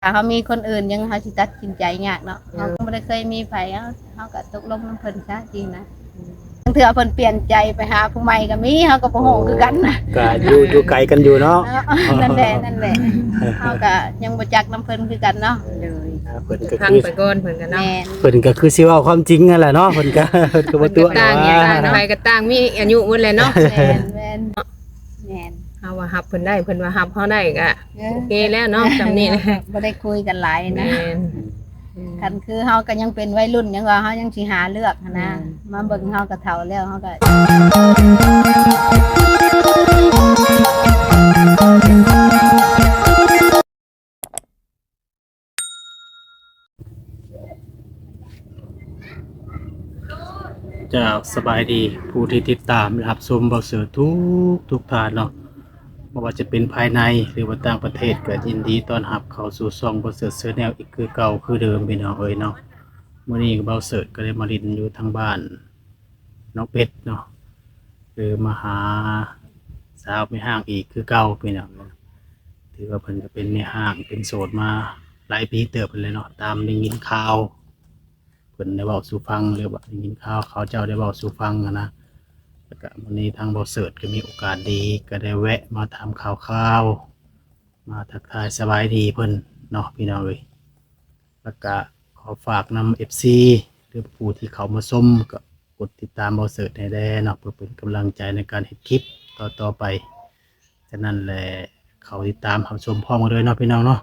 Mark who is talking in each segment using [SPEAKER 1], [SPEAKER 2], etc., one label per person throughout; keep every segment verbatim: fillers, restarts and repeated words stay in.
[SPEAKER 1] ถ้าเขามีคนอื่นยังเขาสิตัดสินใจยากเนาะเขาก็ไม่ได้เคยมีไผเขาเขาก็ตกลงน้ำเพิ่นซะจริงนะบางเทื่อเพิ่นเปลี่ยนใจไปหาผู้ใหม่ก็มีเขาก็บ่ฮู้คือกันนะ
[SPEAKER 2] ก็อยู่อยู่ไกลกันอยู่เนาะ
[SPEAKER 1] นั่นแหละนั่นแหละเขาก็ยังบ่จักน้ำเพิ่นคือกันเนาะ
[SPEAKER 3] เลย
[SPEAKER 2] อ่าเพิ่นก็
[SPEAKER 3] พัง
[SPEAKER 2] คือ
[SPEAKER 3] ไปก่อนเพิ่นกันเนาะ
[SPEAKER 1] แม่น
[SPEAKER 2] เพิ่นก็คือสิเว้าความจริงนั่นแหละเนาะเพิ่นก็เพิ่นก็บ่ตัว
[SPEAKER 3] ต่าง
[SPEAKER 2] ว่า
[SPEAKER 3] ต่างไปก็ต่างมีอายุหมดเลยเนาะ
[SPEAKER 1] แม่นแม่นแม่น
[SPEAKER 3] เฮาว่าฮับเพิ่นได้เพิ่นว่าฮับเฮาได้ก็โอเคแล้วเนาะจำนี้นะ
[SPEAKER 1] บ่ได้คุยกันหลาย
[SPEAKER 3] แม่
[SPEAKER 1] นะ
[SPEAKER 3] น
[SPEAKER 1] คันคือเฮาก็ยังเป็นวัยรุ่นยังว่าเฮายังสิหาเลือกหั้นนะมาเบิ่งเฮาก็เฒ่าแล้วเฮาก็
[SPEAKER 2] เจ้าสบายดีผู้ที่ติดตามรับชมเบาเสือทุกทุกทานเนาะบ่ว่าจะเป็นภายในหรือว่าต่างประเทศก็ยินดีต้อนรับเข้าสู่ช่องเบาเสือเสือแนวอีกคือเก่าคือเดิมพี่น้องเอ้ยเนาะมื้อนี้เบาเสือก็ได้มาลินอยู่ทางบ้านน้องเป็ดเนาะคือมาหาสาวไม่ห้างอีกคือเก่าพี่น้องถือว่าเพิ่นก็เป็นแม่ห้างเป็นโสดมาหลายปีเติบเพิ่นเลยเนาะตามได้ยินข่าว เพิ่นได้เว้าสู่ฟังหรือว่าได้ยินข่าวเขาเจ้าได้เว้าสู่ฟังอะนะแล้วก็วันนี้ทางบ่เสิร์ชก็มีโอกาสดีก็ได้แวะมาถามข่าวๆมาทักทายสบายดีเพิ่นเนาะพี่น้องเอ้ยแล้วก็ขอฝากนำ เอฟ ซี หรือผู้ที่เขามาชมก็กดติดตามบ่เสิร์ชให้ได้เนาะเพื่อเป็นกำลังใจในการเฮ็ดคลิปต่อๆไปฉะนั้นแหละเขาติดตามเขาชมพร้อมกันเลยเนาะพี่น้องเนาะ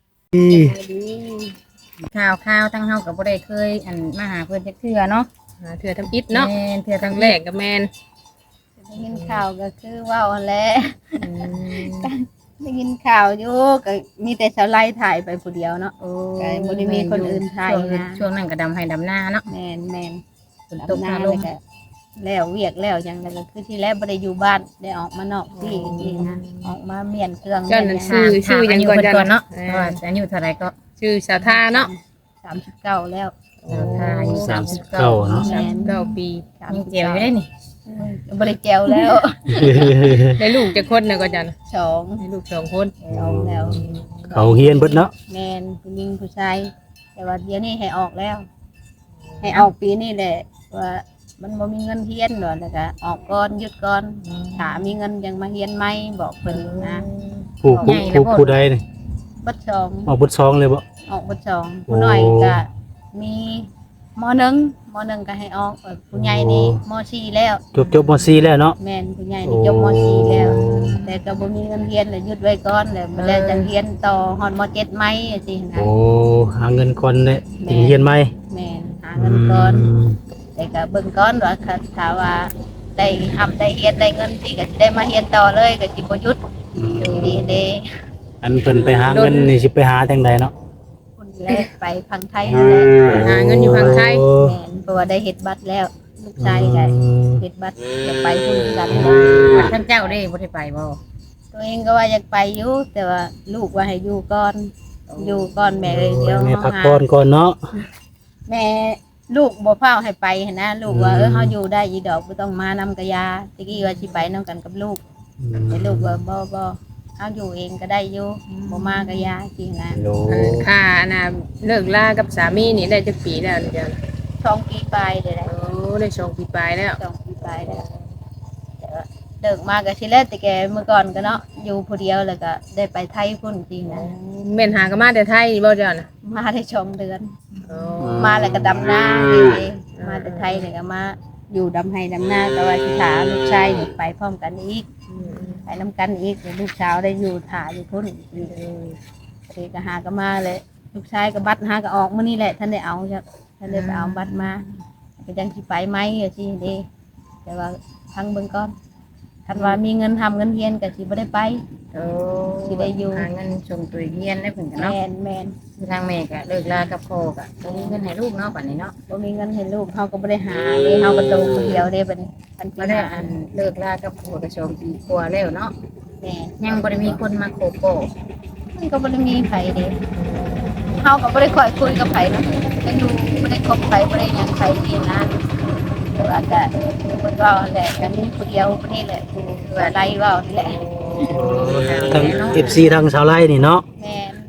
[SPEAKER 4] ข่าวข่าวทั้งเฮาก็บ่ได้เคยอันมาหาเพิ่นจักเทื่อเนาะ
[SPEAKER 3] หาเทื่อทำอิฐเนาะ
[SPEAKER 4] แม่นเทื่อ
[SPEAKER 3] ค
[SPEAKER 4] ทั้
[SPEAKER 3] รั้
[SPEAKER 4] ง
[SPEAKER 3] ง
[SPEAKER 4] แร
[SPEAKER 3] แร
[SPEAKER 4] ก
[SPEAKER 3] กก็แม่น
[SPEAKER 1] ได้ยินข่าวก็คือเว้าหั่นแหละ
[SPEAKER 3] อืม
[SPEAKER 1] ได้ยินข่าวอยู่ก็มีแต่ชาวไร่ถ่ายไปผู้เดียวเนาะ
[SPEAKER 4] โอ้
[SPEAKER 1] ก็บ่ได้มีคนอื่นถ่าย
[SPEAKER 4] ช่วง
[SPEAKER 1] นะ
[SPEAKER 4] ช่วงนั้นก็ดำให้ดำหน้าเนาะ
[SPEAKER 1] แม่นแม่น
[SPEAKER 4] ฝนตก
[SPEAKER 1] ดำ
[SPEAKER 4] ฟ้า
[SPEAKER 1] นา
[SPEAKER 4] ล
[SPEAKER 1] แล้ว
[SPEAKER 4] ม
[SPEAKER 1] ก็แล้วเวียกแล้วหยังแล้วก็คือที่แรกบ่ได้อยู่บ้านได้ออกมานอกที่จริงๆนะออกมาเมียนเครื่อง
[SPEAKER 3] เจ้านั่น
[SPEAKER 1] เมีย
[SPEAKER 3] ชื่อชื่อหยังก่อน
[SPEAKER 4] ถามอายุ
[SPEAKER 3] จ้ะ
[SPEAKER 4] เพิ่นก่อนเนาะ
[SPEAKER 3] เอ
[SPEAKER 4] เพราะ
[SPEAKER 3] อ
[SPEAKER 4] ว่าอายุเท่าไหร่ก็
[SPEAKER 3] ชื่อสาวทาเนาะ
[SPEAKER 1] สามสิบเก้าแล้ว
[SPEAKER 4] สาวทาอายุ
[SPEAKER 2] สามสิบเก้าเนาะ
[SPEAKER 3] สามสิบเก้าปี
[SPEAKER 4] ยังเจียวอยู่ได้นี่
[SPEAKER 1] บ่ได้แจวแล้ว
[SPEAKER 3] ได้ลูกจะคนน่ะก็จัน
[SPEAKER 1] สอง
[SPEAKER 3] ได้ลูกสองคน
[SPEAKER 1] สองแล้ว
[SPEAKER 2] เขาเฮียนเบิดเนาะ
[SPEAKER 1] แม่นผู้หญิงผู้ชายแต่ว่าเดี๋ยวนี้ให้ออกแล้ว ให้ออกปีนี้แหละว่ามันบ่มีเงินเฮียนดอกแล้วก็ออกก่อนหยุดก่อนถ้ามีเงินยังมาเฮียนใหม่บอกเพิ่นนะ
[SPEAKER 2] ผู้ผู้ผู้ผู้ใดนี่
[SPEAKER 1] บัดสอง
[SPEAKER 2] ออกบุญซองเลยบ่
[SPEAKER 1] ออกบัดสองผู้น้อยก็มีมหนึ่งมหนึ่งก็ให้ออกเอ่อผู้ใหญ่นี่มสี่แล้ว
[SPEAKER 2] จบจบม .สี่ แล้วเนาะ
[SPEAKER 1] แม่นผู้ใหญ่นี่จบมสี่แล้ว แต่ก็บ่มีเงินเรียนเลยหยุดไว้ก่อนแล้วบ่แล้วจะเรียนต่อฮอดมเจ็ดไหมจังซี่นะ
[SPEAKER 2] โอ้หาเงินก่อนเลยถึงเฮียนใหม่
[SPEAKER 1] แม่นหาเงินก่อน แต่ก็เบิ่งก่อนว่าคันถ้าว่าได้ทำได้เรียนได้เงินสิก็สิได้มาเรียนต่อเลยก็สิบ่หยุด
[SPEAKER 2] อืม
[SPEAKER 1] ดีเด้
[SPEAKER 2] อันเพิ่นไปหาเงินนี่สิไปหาทางใดเนาะ
[SPEAKER 1] คนแรกไปพังไทยนั่นแหละ
[SPEAKER 3] หาเงินอยู่ฝั่งไทย
[SPEAKER 2] โอ้
[SPEAKER 1] แม่นเพราะว่าได้เฮ็ดบัตรแล้วลูกชายก็เฮ็ดบัตรจะไปพุ่นกัน
[SPEAKER 4] วัดท่านเจ้าได้บ่ได้ไปบ่
[SPEAKER 1] ตัวเองก็ว่าอยากไปอยู่แต่ว่าลูกว่าให้อยู่ก่อนอยู่ก่อนแม่เลยเดี๋ยว
[SPEAKER 2] แม่
[SPEAKER 1] เฮา
[SPEAKER 2] พัก
[SPEAKER 1] หา
[SPEAKER 2] ผ่อนก่อนเนาะ
[SPEAKER 1] แม่ลูกบ่พาให้ไปหั้นนะลูกว่าเออเฮาอยู่ได้อีดอกบ่ต้องมานำกะยาตะกี้ว่าสิไปนํกันกับลูกแต่ลูกว่าบ่บ่เฮาอยู่เองก็ได้อยู่บ่มากะยาจริงนะ
[SPEAKER 2] โอ้
[SPEAKER 3] อันค่ะน่ะเลิกลากับสามีนี่ได้จักปีแล้วจ้ะ
[SPEAKER 1] สองปีปลายได้แหละ
[SPEAKER 3] โอ้ได้สองปีปลายแล้ว
[SPEAKER 1] สองปีปลายแล้วแต่ว่าเลิกมาก็สิแล้วแต่แกเมื่อก่อนก็เนาะอยู่ผู้เดียวแล้วก็ได้ไปไทยพุ่นจริงนะ
[SPEAKER 3] แม่นหากันมาแต่ไทยบ่จ้ะน่ะ
[SPEAKER 1] มาได้สองเดือน
[SPEAKER 3] โอ้
[SPEAKER 1] มาแล้วก็ดำนาอยู่เองมาแต่ไทยแล้วก็มาอยู่ดำไห้ดำนาแต่ว่าสิถาลูกชายนี่ไปพร้อมกันอีก
[SPEAKER 3] อืม
[SPEAKER 1] ไปน้ำกันอีกเดี๋ยวลูกสาวได้อยู่ถ่ายอยู่พุ่นอีกเด็กก็หาก็มาเลย ลูกชายก็บัตรหาก็ออกมื่อนี่แหละท่านได้เอาจ้ะท่านได้ไปเอาบัตรมาก็ยังสิไปไหมอะสิเด้แต่ว่าพังเบิ่งก่อนคันว่ามีเงินทำเงินเฮียนก็สิบ่ได้ไป
[SPEAKER 4] โอ้
[SPEAKER 1] สิได้อยู่
[SPEAKER 4] หาเงินส่งตัวเรียนได้เพิ่นก็
[SPEAKER 1] แม
[SPEAKER 4] เนาะ
[SPEAKER 1] นแมน
[SPEAKER 4] คือทางแม่ก็เลิกลากับพ่อก็บ่มีเงินให้ลูกเนาะบัดนี้เนาะ
[SPEAKER 1] บ่มีเงินให้ลูกเฮาก็บ่ได้หาเด้เฮาก็โตคนเดียวเด้บัดนี้คัน
[SPEAKER 4] บ่
[SPEAKER 1] สิ
[SPEAKER 4] ได้
[SPEAKER 1] หา
[SPEAKER 4] อันเลิกลากับพ่อก็สองปีกว่าแล้วเนาะ
[SPEAKER 1] แม่น
[SPEAKER 4] ยังบ่ได้มีคนมาโคโก้
[SPEAKER 1] มันก็บ่ได้มีไผเด้เฮาก็บ่ได้ค่อยคุยกับไผนะก็อยู่บ่ได้คบไผบ่ได้หยังไผนี่นะแต่ว่าก็เพิ่นเว้าแหละก็มีผู้เดียวผู้นี้แหละผู้ว่าไล่เว้านี่แหละ
[SPEAKER 2] ทั้ง เอฟ ซี ทั้งชาวไร่นี่เนาะ
[SPEAKER 1] แม่น
[SPEAKER 2] โอ้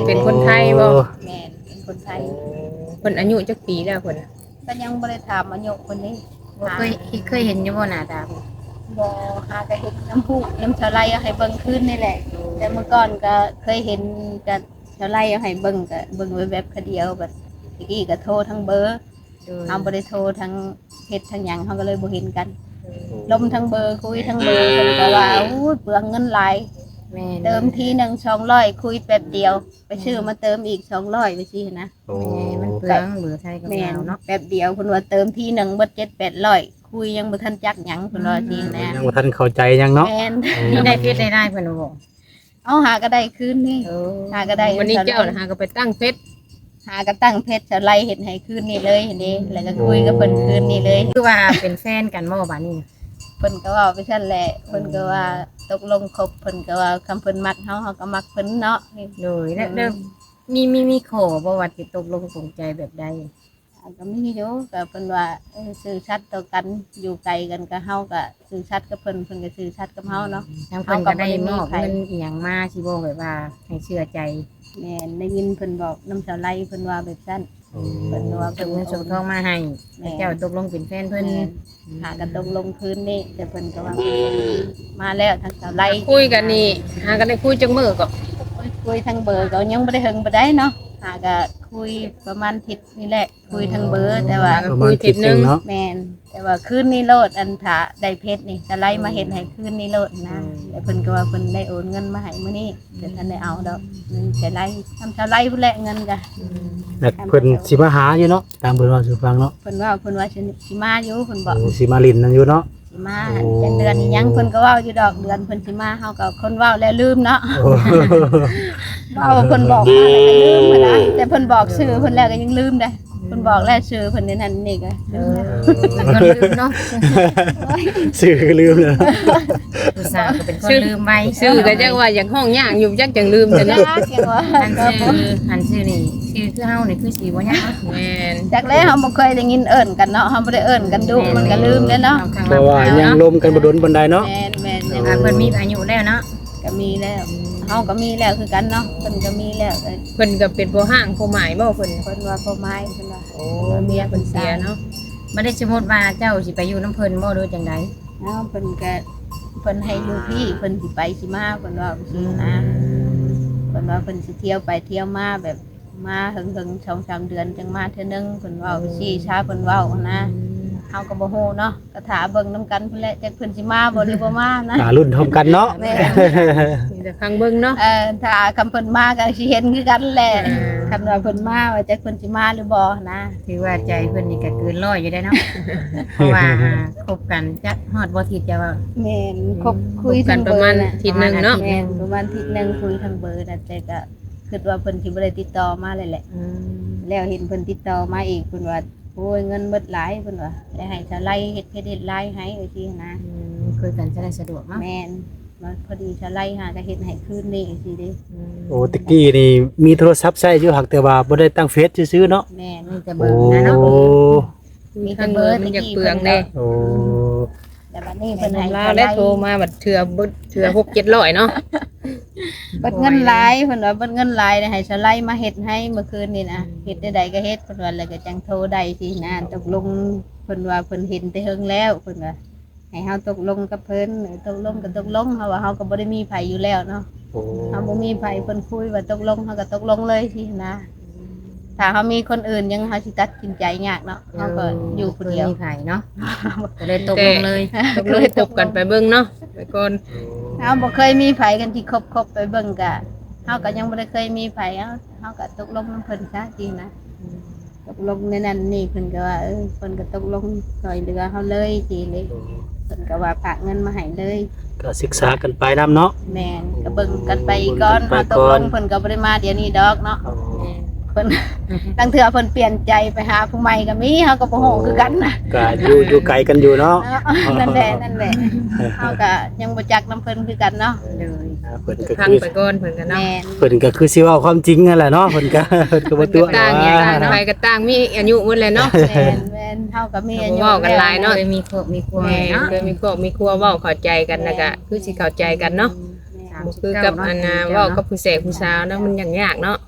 [SPEAKER 3] เป็นคนไทยบ่
[SPEAKER 1] แม่นเป็นคนไทย
[SPEAKER 3] เพิ่นอายุจักปีแล้วเพิ่น
[SPEAKER 1] ก็ยังบ่ได้ถามอายุคนนี้
[SPEAKER 4] บ่เคยเคยเห็นอยู่บ่หน้าตาเพิ่น
[SPEAKER 1] บ่หาก็เห็นน้ำพุน้ำชาไลเอาให้เบิ่งขึ้นนี่แหละแต่เมื่อก่อนก็เคยเห็นกับชาไลเอาให้เบิ่งก็เบิ่งไว้แบบคนเดียวแบบอีกี้ก็โทรทั้งเบอร์
[SPEAKER 4] โดย
[SPEAKER 1] เฮาบ่ได้โทรทั้งเฮ็ดทั้งหยังเฮาก็เลยบ่เห็นกันลมทั้งเบอร์คุยทั้งเบอร์เพิ่นก็ว่าอู้เปลืองเงินหลาย
[SPEAKER 4] แม่น
[SPEAKER 1] เติมทีหนึงสองร้อยคุยแป๊บเดียว ไปซื้อมาเติมอีกสองร้อยไปสินะ
[SPEAKER 2] โอ้
[SPEAKER 4] แม่มันเปลืองเบื่อไทยกับ
[SPEAKER 1] แม่น
[SPEAKER 4] ลาวเนาะ
[SPEAKER 1] แป๊บเดียวเพิ่นว่าเติมทีหนึงเบิดเจ็ดแปดร้อยคุยยังบ่ทันจักหยังเพิ่นว่าสินะ
[SPEAKER 2] ยังบ่ทันเข้าใจยังเนาะ
[SPEAKER 1] แม่น
[SPEAKER 4] มีได้เพชรได้ได้เพิ่นบ่
[SPEAKER 1] เอาหาก็ได้คืนนี่
[SPEAKER 4] เออ
[SPEAKER 1] หาก็ได้
[SPEAKER 3] วันนี้เจ้าน่ะหาก็ไปตั้งเฟซ
[SPEAKER 1] หาก็ตั้งเพชรจะไล่เห็นให้คืนนี่เลยเห็นดิแล้วก็คุยกับเพิ่นคืนนี่เลย
[SPEAKER 4] คือว่าเป็นแฟนกันบ่บัดนี้
[SPEAKER 1] เพิ่นก็เว่าไปซั่นแหละเพิ่นก็ว่าตกลงคบเพิ่นก็ว่าคำเพิ่นมักเฮาเฮาก็มักเพิ่นเนาะนี่
[SPEAKER 4] โดยแล้วแล้วมีมีมีขอบ่ว่าสิตกลงปลงใจแบบใด
[SPEAKER 1] อ่าก็มีอยู่ก็เพิ่นว่าเออซื่อสัตย์ต่อกันอยู่ไกลกันก็เฮาก็ซื่อสัตย์กับเพิ่นเพิ่นก็ซื่อสัตย์กับเฮาเนาะ
[SPEAKER 4] ทางเพิ่นก็ได้มอบเงินอีหยังมาสิบ่แบบว่าให้เชื่อใจ
[SPEAKER 1] แม่นได้ยินเพิ่นบอกน้ำเสาไล่เพิ่นว่าแบบซั่นเพิ่นว่า
[SPEAKER 4] ส่
[SPEAKER 1] เพิ่
[SPEAKER 4] ง
[SPEAKER 1] น
[SPEAKER 4] เงินส่งทองมาให้แล้วเจ้าตกลงเป็นแฟนเพิ่น
[SPEAKER 1] แม่นหากันตกลงคืนนี่แต่เพิ่นก็ว่ามาแล้วทางเสาไล่
[SPEAKER 3] คุยกันนี่หากันได้คุยจังมื้อก็
[SPEAKER 1] คุยทางเบอร์ก็ยังไม่ได้เฮงไปได้เนาะหาก็คุยประมาณทิศนี่แหละ คุยทางเบอร์แต่ว่า
[SPEAKER 2] ประมาณทิศหนึงเนาะ
[SPEAKER 1] แมนแต่ว่าคืนนี้โลดอันถาได้เพชรนี่จะไล่มาเห็นให้คืนนี้โลดนะแต่เพิ่นก็ว่าเพิ่นได้โอนเงินมาให้มื้อนี้แต่ท่านได้เอาดอกนึงจะไล่ทำชาวไล่พุ่นแหละเงินก็
[SPEAKER 2] แล้วเพิ่นสิมาหาอยู่เนาะตามเพิ่นว่าสู่ฟังเนาะ
[SPEAKER 1] เพิ่นว่าเพิ่นว่าสิสิมาอยู่เพิ่นบอก
[SPEAKER 2] โอ้สิมาลินนั่นอยู่เนาะ
[SPEAKER 1] สิมา
[SPEAKER 2] โอ้
[SPEAKER 1] จังเดือนนี้ยังเพิ่นก็เว้าอยู่ดอกเดือนเพิ่นสิมาเฮาก็คนเว้าแล้วลืมเนาะ
[SPEAKER 2] โอ้
[SPEAKER 1] เว้าเพิ่นบอกมาแล้วก็ลืมหั้นนะแต่เพิ่นบอกชื่อเพิ่นแล้วก็ยังลืมได้เพิ่นบอกแล้วชื่อเพิ่นในนั้นนี่ก็
[SPEAKER 4] เออเป็นคนลืมเนาะ
[SPEAKER 2] ชื่อก็ลืมเลย
[SPEAKER 4] ผู้สาวก็เป็นคนลืมไว้
[SPEAKER 3] ชื่อก็จังว่าอย่างห้องย่างอยู่จักจังลืม
[SPEAKER 1] จะ
[SPEAKER 3] จัง
[SPEAKER 1] ยากจังว่า
[SPEAKER 4] อันชื่ออันชื่อนี่ชื่อคือเฮานี่คือสีบ่ยาก
[SPEAKER 3] แม่น
[SPEAKER 1] จากแล้วเฮาบ่เคยได้ยินเอิ้นกันเนาะเฮาบ่ได้เอิ้นกันดุมันก็ลืมแล้วเนาะ
[SPEAKER 2] เพราะว่ายังลมกันบ่ดนบันไดเนาะ
[SPEAKER 1] แม่นแม่น
[SPEAKER 4] แต่ว่าเพิ่นมีอายุแล้วเนาะ
[SPEAKER 1] ก็มีแล้วเฮาก็มีแล้วคือกันเนาะเพิ่นก็มีแล้วเอ้ย
[SPEAKER 3] เพิ่นก็เป็นผู้ห้างผู้หมายบ่เพิ่น
[SPEAKER 1] เพิ่นว่าพ่อไม้เพิ่นว่า
[SPEAKER 3] โอ้เมียเพิ่นเสียเนาะ
[SPEAKER 4] บ่ได้สมมุติว่าเจ้าสิไปอยู่น้ำเพิ่นบ่หรือจังได
[SPEAKER 1] เนาะเพิ่นก็เพิ่นให้อยู่พี่เพิ่นสิไปสิมาเพิ่นว่าสินะเพิ่นว่าเพิ่นสิเที่ยวไปเที่ยวมาแบบมาถึงๆ สองสามเดือนจังมาเทื่อนึงเพิ่นเว้าสิชาเพิ่นเว้านะเฮาก็บ่ฮู้เนาะก็ถาเบิ่งนํกันเพิ่นแหละจักเพิ่นสิมาบ่หรือบ่มานะ
[SPEAKER 2] ตารุ่นเท่ากันเนาะ
[SPEAKER 1] แม่
[SPEAKER 3] มีแต่ฟังเบิ่งเนาะ
[SPEAKER 1] เออถ้าคำเพิ่นมาก็สิเห็นคือกันแหละคำว่าเพิ่นมาว่าจักเพิ่นสิมาหรือบ่นะ
[SPEAKER 4] ถือว่าใจเพิ่นนี่ก็เกินร้อยอยู่ได้เนาะ เพราะว่าคบกันจักฮอดบ่ทิศจะว่า
[SPEAKER 1] แม่นคบคุย
[SPEAKER 3] กั
[SPEAKER 1] ทาน ง
[SPEAKER 3] ป
[SPEAKER 1] เบ
[SPEAKER 3] ระ
[SPEAKER 1] อ
[SPEAKER 3] มาณ
[SPEAKER 1] ร์น่ะ
[SPEAKER 3] อาทิศหนึงเนาะ
[SPEAKER 1] แม่นประมาณอาทิศหนึงคุยทางเบอร์น่ะแต่ก็คิดว่าเพิ่นสิบ่ได้ติดต่อมาเลยแหละ
[SPEAKER 4] อืม
[SPEAKER 1] แล้วเห็นเพิ่นติดต่อมาอีกเพิ่นว่าโอ้ยเงินเบิดหลายเพิ่นว่าแล้วให้ชาไล่เฮ็ดเพชรเฮ็ดลายให้ว่าซี่นะ
[SPEAKER 4] อืมคุยกันจะได้สะดวกเนาะ
[SPEAKER 1] แม่นว่าพอดีชาไล่หาก็เฮ็ดให้คืนนี้สิเด้
[SPEAKER 4] อืม
[SPEAKER 2] โอ้ตะกี้นี่มีโทรศัพท์ใช้อยู่หักแต่ว่าบ่ได้ตั้งเฟซซื่อๆเนาะ
[SPEAKER 1] แม่น
[SPEAKER 4] มีแต่เบ
[SPEAKER 2] โอ้
[SPEAKER 4] อร์นะเนาะ
[SPEAKER 1] มีแต่เบอร์
[SPEAKER 3] มัน
[SPEAKER 1] ตะ
[SPEAKER 3] อยาก
[SPEAKER 1] กี้
[SPEAKER 3] เปลืองเด้
[SPEAKER 2] โอ้
[SPEAKER 1] แต่บัดนี้เพิ่นให้
[SPEAKER 3] ลา
[SPEAKER 1] ชาว
[SPEAKER 3] แล้ว
[SPEAKER 1] ไล่
[SPEAKER 3] โทรมาบัดเทื่อบึดเทื่อหกเจ็ดร้อยเนาะ
[SPEAKER 1] เบิดเงินหลายเพิ่นว่าเบิดเงินหลายเนี่ยให้ชาวไล่มาเฮ็ดให้เมื่อคืนนี่นะเฮ็ดได้ใดก็เฮ็ดเพิ่นว่าแล้วก็จังโทรได้สินะตกลงเพิ่นว่าเพิ่นเห็นแต่เฮิงแล้วเพิ่นว่าให้เฮาตกลงกับเพิ่นเออตกลงก็ตกลงเฮาว่าเฮาก็บ่ได้มีไผอยู่แล้วเนาะ
[SPEAKER 2] โอ้
[SPEAKER 1] เฮาบ่มีไผเพิ่นคุยว่าตกลงเฮาก็ตกลงเลยสินะถ้าเฮามีคนอื่นยังเฮาสิตัดสินใจยากเนาะเฮาก็อยู่คนเดียว
[SPEAKER 4] มีไผเนาะก็เลยตกลงเลย
[SPEAKER 3] ตกลงตบกันไปเบิ่งเนาะไปก่อน
[SPEAKER 1] เฮาบ่เคยมีไผกันที่คบๆไปเบิ่งกะเฮาก็ยังบ่ได้เคยมีไผเฮาเฮาก็ตกลงนำเพิ่นซะจริงนะตกลงในนั้นนี่เพิ่นก็ว่าเออเพิ่นก็ตกลงช่วยเหลือเฮาเลยจริงเลยเพิ่นก็ว่าฝากเงินมาให้เลย
[SPEAKER 2] ก็ศึกษากันไปนํเนาะ
[SPEAKER 1] แม่นก็เบิ่งกันไปก่อน
[SPEAKER 2] เบิ่
[SPEAKER 1] เฮาง
[SPEAKER 2] กันไป
[SPEAKER 1] ตก
[SPEAKER 2] ก่
[SPEAKER 1] ล
[SPEAKER 2] อน
[SPEAKER 1] งเพิ่นก็บ่ได้มาเดี๋ยวนี้ดอกเนาะเพิ่น ตั้งเทื่อเพิ่นเปลี่ยนใจไปหาผู้ใหม่ก็มีเฮาก็บ่ฮู้คือกันนะ
[SPEAKER 2] ก็อยู่อยู่ไกลกันอยู่เนาะ
[SPEAKER 1] เนาะนั่นแหละนั่นแหละเฮาก็ยังบ่จักนํเพิ่นคือกันเนาะ
[SPEAKER 4] เลย
[SPEAKER 2] อ่าเพิ่นก็
[SPEAKER 3] พัง
[SPEAKER 2] คือ
[SPEAKER 3] ไปก่อนเพิ่นก็เนาะ
[SPEAKER 1] แม่น
[SPEAKER 2] เพิ่นก็คือสิเว้าความจริงนั่นแหละเนาะเพิ่นก็เพิ่นก็บ่
[SPEAKER 3] มัน
[SPEAKER 2] ตั
[SPEAKER 3] ก็
[SPEAKER 2] ว
[SPEAKER 3] ต่างอย่างต่าง
[SPEAKER 2] เนาะ
[SPEAKER 3] ไปก็ต่างมีอายุหมดเลยเนาะ
[SPEAKER 1] แม่นแม่นเฮาก็มีอายุ
[SPEAKER 3] เว้ากันหลายเนาะ
[SPEAKER 4] เคยมีครอบมีครัว
[SPEAKER 3] แม่
[SPEAKER 4] เนาะ
[SPEAKER 3] เคยมีครอบมีครัวเว้าเข้าใจกันนะก็คือสิเข้าใจกันเนาะ
[SPEAKER 4] สาม
[SPEAKER 3] บ่
[SPEAKER 4] สิบ
[SPEAKER 3] คือ
[SPEAKER 4] เก้า
[SPEAKER 3] กับ
[SPEAKER 4] เนาะ
[SPEAKER 3] อันน่ะเว้ากับผู้แสกผู้สาวเนาะมันยากๆเนาะ
[SPEAKER 1] แ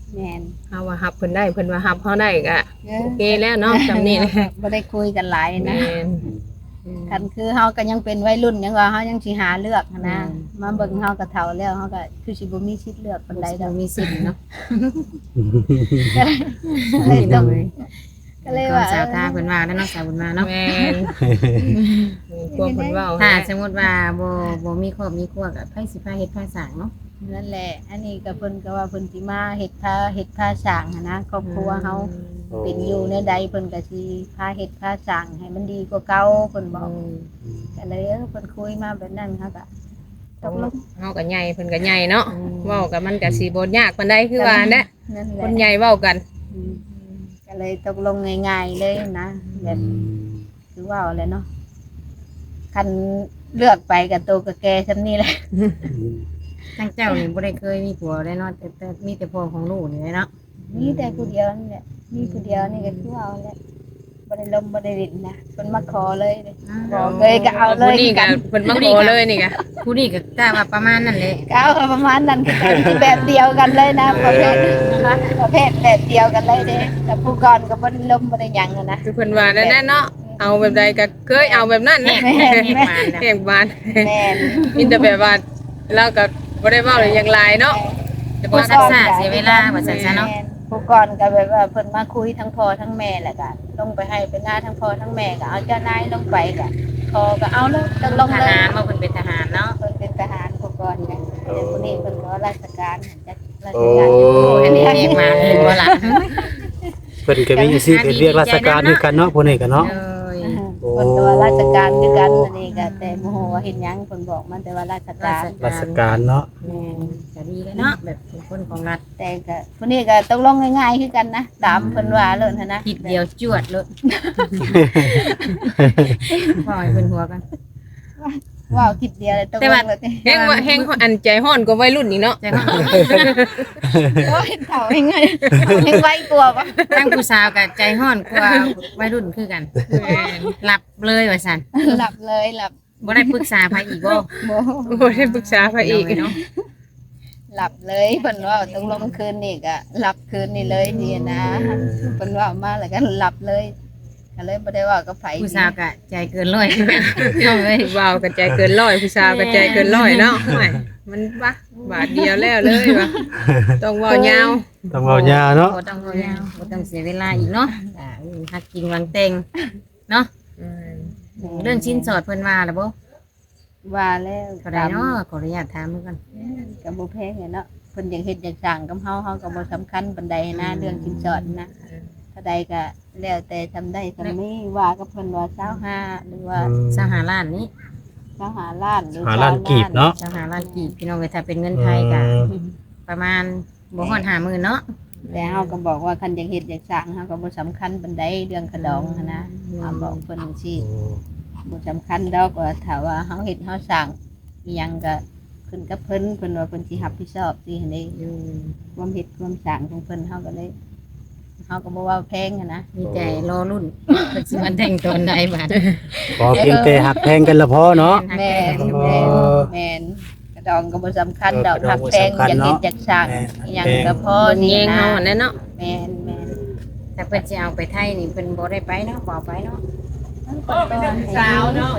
[SPEAKER 1] แม่น
[SPEAKER 3] เฮาว่าฮับเพิ่นได้เพิ่นว่าฮับเฮาได้ก็
[SPEAKER 1] เด้อ
[SPEAKER 3] โอเคแล้วเนาะจำนี้นะ
[SPEAKER 1] บ่ได้คุยกันหลาย
[SPEAKER 3] แม่
[SPEAKER 1] นะ
[SPEAKER 3] น
[SPEAKER 1] คันคือเฮาก็ยังเป็นวัยรุ่นยังว่าเฮายังสิหาเลือกหั้นนะ
[SPEAKER 3] อืม
[SPEAKER 1] มาเบิ่งเฮาก็เฒ่าแล้วเฮาก็คือสิบ่มีสิทธิ์เลือกปานใดดอก
[SPEAKER 4] มีสิทธิ์เนาะ
[SPEAKER 1] ก็เลยต้องก็เลย
[SPEAKER 4] ก็
[SPEAKER 1] ว่า
[SPEAKER 4] สาวตาเพิ่นว่าแล้วเนาะสาวบุญมาเนาะ
[SPEAKER 3] แม่นความเพิ่นเว้า
[SPEAKER 4] ถ้า
[SPEAKER 3] นะ
[SPEAKER 4] สมมุติว่าบ่บ่มีครอบมีครัวก็ไผสิพาเฮ็ดพาสร้างเนาะ
[SPEAKER 1] นั่นแหละ อันนี้ก็เพิ่นก็ว่าเพิ่นสิมาเฮ็ดพาเฮ็ดพาสร้างหั้นนะครอบครัวเฮาเป็นอยู่ในใดเพิ่นก็สิพาเฮ็ดพาสร้างให้มันดีกว่าเก่าเพิ่นบอกก็เลยเออเพิ่นคุยมาแบบนั้นเฮาก็ตกลง
[SPEAKER 3] เฮาก็ใหญ่เพิ่นก็ใหญ่เนาะเว้ากันมันก็สิบ่ยากปานใดคือว่าแหละ
[SPEAKER 1] นั่นแห
[SPEAKER 3] ค
[SPEAKER 1] ละ
[SPEAKER 3] นใหญ่เว้ากัน
[SPEAKER 1] อืมก็เลยตกลงง่ายๆเลยนะแบบคือว่าอะไรเนาะคันเลือกไปกับตัวกับแกซำนี้แหละ
[SPEAKER 4] ทั้งเจ้านี่บ่ได้เคยมีผัวได้เนาะแต่แต่มีแต่พ่อของลูกนี่แหละเนาะ
[SPEAKER 1] มีแต่ผู้เดียวนี่แหละมีผู้เดียวนี่ก็คือเอาแหละบ่ได้ลมบ่ได้ดินนะเพิ่นมาขอเลยเลยบอกเลยก็เอาเลย
[SPEAKER 3] ผู้นี้ก็
[SPEAKER 1] กัน
[SPEAKER 3] เพิ่นมาขอเลยนี่ก็
[SPEAKER 4] ผู้นี้ก็กล้าว่าประมาณนั้นแหละ
[SPEAKER 1] ก็เอาประมาณนั้นคือกันแบบเดียวกันเลยนะประเภทประเภทแบบเดียวกันเลยเด้แต่ผู้ก่อนก็บ่ได้ลมบ่ได้หยังอะนะ
[SPEAKER 3] คือเพิ่นว่านั่นแหละเนาะเอาแบบใดก็เคยเอาแบบนั้นแหละ
[SPEAKER 1] แม่น
[SPEAKER 4] เฮ็ดมาแล้ว
[SPEAKER 3] แห่งบ้าน
[SPEAKER 1] แม่น
[SPEAKER 3] มีแต่แบบว่าเราก็บ่ได้เว้าเลยอย่างหลายเนาะ
[SPEAKER 4] จะบ่ซักซ่าเสียเวลาว่าซั่นซะเนาะ
[SPEAKER 1] ผู้ก่อนก็แบบว่าเพิ่นมาคุยทั้งพ่อทั้งแม่แหละก็ลงไปให้เป็นหน้าทั้งพ่อทั้งแม่ก็เอาเจ้านายลงไปก็พอก็เอาเลยตกลง
[SPEAKER 4] ท
[SPEAKER 1] เลย
[SPEAKER 4] หารบ่เพิ่นเป็นทหารเนาะ
[SPEAKER 1] เพิ่นเป็นทหารผู้ก่อนเนี่ยแต่ผู้นี้เพิ่นก็ราชการจักราช
[SPEAKER 2] โอ้
[SPEAKER 1] การอยู่
[SPEAKER 4] อันนี้เรียกมาเห็นบ่ล่ะ
[SPEAKER 2] เพิ่นก็มีอาชีพเป็นเรียกราชการคือกันเนาะผู้นี้ก็เนาะ
[SPEAKER 4] เอ้ย
[SPEAKER 2] โอ้
[SPEAKER 1] เพิ่นก็ว่าราชการคือกันอันนี้ก็แต่บ่ฮู้ว่าเฮ็ดหยังเพิ่นบอกมันแต่ว่าราชการ
[SPEAKER 2] ราชการเนาะ
[SPEAKER 4] แม่นก็ดีเลยเนาะแบบเป็นคนของรัฐ
[SPEAKER 1] แต่ก็ผู้นี้ก็ตกลงง่ายๆคือกันนะตามเพิ่นว่าเลยหันนะ
[SPEAKER 4] คิดเดียวจวดเลยพอให้เพิ่นหัวกัน
[SPEAKER 1] ว้าวคิดเดียวเลยตก
[SPEAKER 3] แต่
[SPEAKER 1] ล
[SPEAKER 3] ว่าง
[SPEAKER 1] เลย
[SPEAKER 3] แฮงว่าแฮงอันใจฮ้อนกว่าวัยรุ่นอีกเนาะ
[SPEAKER 4] ใจห้อง
[SPEAKER 1] โอ้ยเฒ่าให้ไงให้ไวกว่าบ่
[SPEAKER 4] ทั้งผู้สาวกับใจห้อนกว่าวัยรุ่นคือกันหลับเลยว่าซั่น
[SPEAKER 1] หลับเลยหลับ
[SPEAKER 4] บ่ได้ปรึกษาไผอีกบ่
[SPEAKER 1] บ่
[SPEAKER 3] บ่ได้ปรึกษาไปอีก
[SPEAKER 4] เนาะ
[SPEAKER 1] หลับเลยเพิ่นว่าตกลงคืนนี้ก็หลับคืนนี้เลยดีนะเพิ่นว่ามาแล้วก็หลับเลยก็เลยบ่ได้ว่ากับไผ
[SPEAKER 4] ผู้สาวก็ใจเกินร้อยคือกันน้องเอ้ย
[SPEAKER 3] ว้าวกระจายเกินร้อยผู้สาวกระจายเกินร้อยเนาะไม่มันปะบาทเดียวแล้วเลยวะต้องเว่ายาว
[SPEAKER 2] ต้องเว้ายาวเนาะ
[SPEAKER 4] บ่ต้องเอายาวบ่ต้องเสียเวลาอีกเนาะอ่าหักกินวังเต็งเนาะเรื่องชิ้นสอดเพิ่นว่าล่ะบ่
[SPEAKER 1] ว่าแล้ว
[SPEAKER 4] ก็ได้เนาะขออนุญาตถามมือกัน
[SPEAKER 1] ก็บ่แพงอะเนาะเพิ่นอยากเฮ็ดอยากสร้างกับเฮาเฮาก็บ่สำคัญปานใดนะเรื่องสินสอดนะถ้าใดก็แล้วแต่ทำได้ทำนี้ว่ากับเพิ่นว่ายี่สิบห้าหรือว่า
[SPEAKER 4] สหาล้านนี้
[SPEAKER 1] ยี่สิบห้าล้านหรือ
[SPEAKER 2] หาล้านกีบเนาะ
[SPEAKER 4] สหาล้านกีบพี่น้องเอ้ยถ้าเป็นเงินไทยก็ประมาณบ่ฮอดห้าหมื่นเนาะ
[SPEAKER 1] แต่เฮาก็บอกว่าคันอยากเฮ็ดอยากสร้างเฮาก็บ่สำคัญปานใดเรื่องขะดองหั้นนะเฮาบอกเพิ่นจังซี่บ่สำคัญดอกว่าถ้าว่าเฮาเฮ็ดเฮาสร้างอีหยังก็ขึ้นกับเพิ่นเพิ่นว่าเพิ่นสิรับผิดชอบสิหั่นเด้
[SPEAKER 4] อยู่
[SPEAKER 1] ความเฮ็ดความสร้างของเพิ่นเฮาก็เลยเฮาก็บ่ว่าแพงหั้นนะ
[SPEAKER 4] มีแต่รอรุ่นเพิ่นสิมาแต่งตอนใดบาด
[SPEAKER 2] พอเพียงแต่หักแพงกันละพอเนาะ
[SPEAKER 1] แม่น
[SPEAKER 2] อ๋อ
[SPEAKER 1] แม่นแม่นกระดองก็บ่สำคัญดอก
[SPEAKER 2] เออกระดอง
[SPEAKER 1] หักแพง
[SPEAKER 2] บ่สำคัญ
[SPEAKER 1] อยากเฮ็ด
[SPEAKER 2] เนาะ
[SPEAKER 1] อยากสร้าง
[SPEAKER 2] แม่น
[SPEAKER 1] อีหยังก็พอ
[SPEAKER 3] คน
[SPEAKER 1] นี่
[SPEAKER 3] เอง
[SPEAKER 1] นะ
[SPEAKER 3] เฮาแน่เนาะ
[SPEAKER 1] แม่นแม่น
[SPEAKER 4] แต่เพิ่นสิเอาไปไทยนี่เพิ่นบ่ได้ไปเนาะบ่เอาไปเนาะ
[SPEAKER 1] เออเป็นสาวเนาะ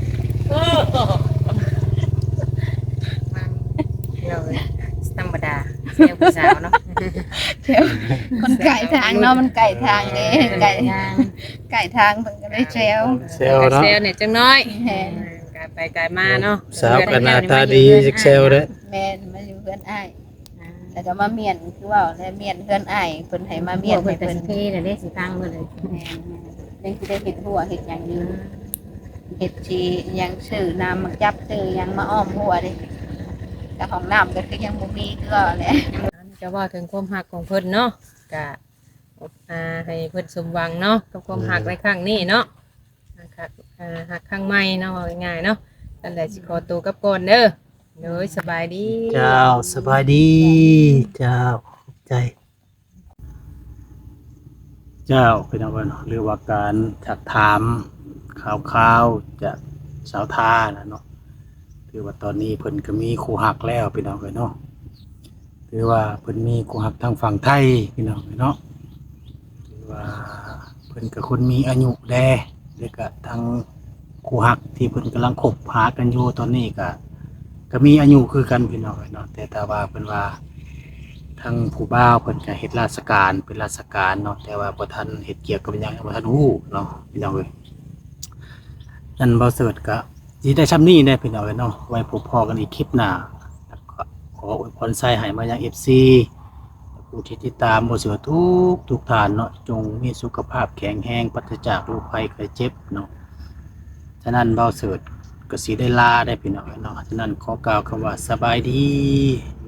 [SPEAKER 4] เราธรรมดาเซลผู้สาวเนาะ
[SPEAKER 1] คนไก่ทางเนาะมันไก่ทางเด้ไก่
[SPEAKER 4] ทาง
[SPEAKER 1] ไก่ทางเพิ่นก็เลยแซว
[SPEAKER 2] เซลเนาะ
[SPEAKER 3] เซลเนี่ยจังน้อย
[SPEAKER 1] แม่น
[SPEAKER 3] กายไปกายมาเนาะ
[SPEAKER 2] สาวกันหน้าตาดีจักเซลเด้อ
[SPEAKER 1] แม่นมาอยู่เพื่อนอ้ายแล้วก็มาเมียนคือว่าแล้วเมียนเพื่อนอ้ายเพิ่นให้มาเมี
[SPEAKER 4] เมี
[SPEAKER 1] ย
[SPEAKER 4] ย
[SPEAKER 1] น
[SPEAKER 4] เพิ่
[SPEAKER 1] ให้
[SPEAKER 4] นเป็น
[SPEAKER 1] เพิ่น
[SPEAKER 4] ที่น่ะเด้สิตั้งเพิ่นเลย
[SPEAKER 1] แม่นแม่นยังสิได้เฮ็ดหัวเฮ็ดหยังอยู่เฮ็ดสิหยังซื้อน้ำมาจับซื้อหยังมาอ้อมหัวเด้ก็ห้องน้ำก็คือยังบ่มีคือว่าแหละ
[SPEAKER 3] จะว่าถึงความหักของเพิ่นเนาะก็อ่าให้เพิ่นสมหวังเนาะกับความหักในครั้งนี้เนาะหักอ่าหักครั้งใหม่เนาะว่าง่ายๆเนาะนั่นแหละสิขอตัวกลับก่อนเด้อเด้อสบายดี
[SPEAKER 2] เจ้าสบายดี เจ้าขอบใจ เจ้าเป็นเอาไว้เนาะหรือว่าการถักถามข่าวๆจากสาวท่านะเนาะคือว่าตอนนี้เพิ่นก็มีคู่หักแล้วเป็นเอาไว้เนาะคือว่าเพิ่นมีคู่ฮักทางฝั่งไทยพี่น้องเนาะคือว่าเพิ่นก็คนมีอายุแลแล้วก็ทางคู่ฮักที่เพิ่นกำลังคบหากันอยู่ตอนนี้ก็ก็มีอายุคือกันพี่น้องเนาะแต่ถ้าว่าเพิ่นว่าทางผู้บ่าวเพิ่นก็เฮ็ดราชการเป็นราชการเนาะแต่ว่าบ่ทันเฮ็ดเกี่ยวกับหยังบ่ทันฮู้เนาะพี่น้องเอ้ยนั่นบ่เสิร์ชก็สิได้ซำนี้แน่พี่น้องเอ้ยเนาะไว้พบพ้อกันอีกคลิปหน้าแล้วก็ขออวยพรใส่ให้มายัง เอฟ ซี ผู้ที่ติดตามบ่เสิร์ชทุกทุกท่านเนาะจงมีสุขภาพแข็งแรงปราศจากโรคภัยไข้เจ็บเนาะฉะนั้นบ่เสิร์ชก็สิได้ลาได้พี่น้องเอ้ยเนาะฉะนั้นขอกล่าวคำว่าสบายดี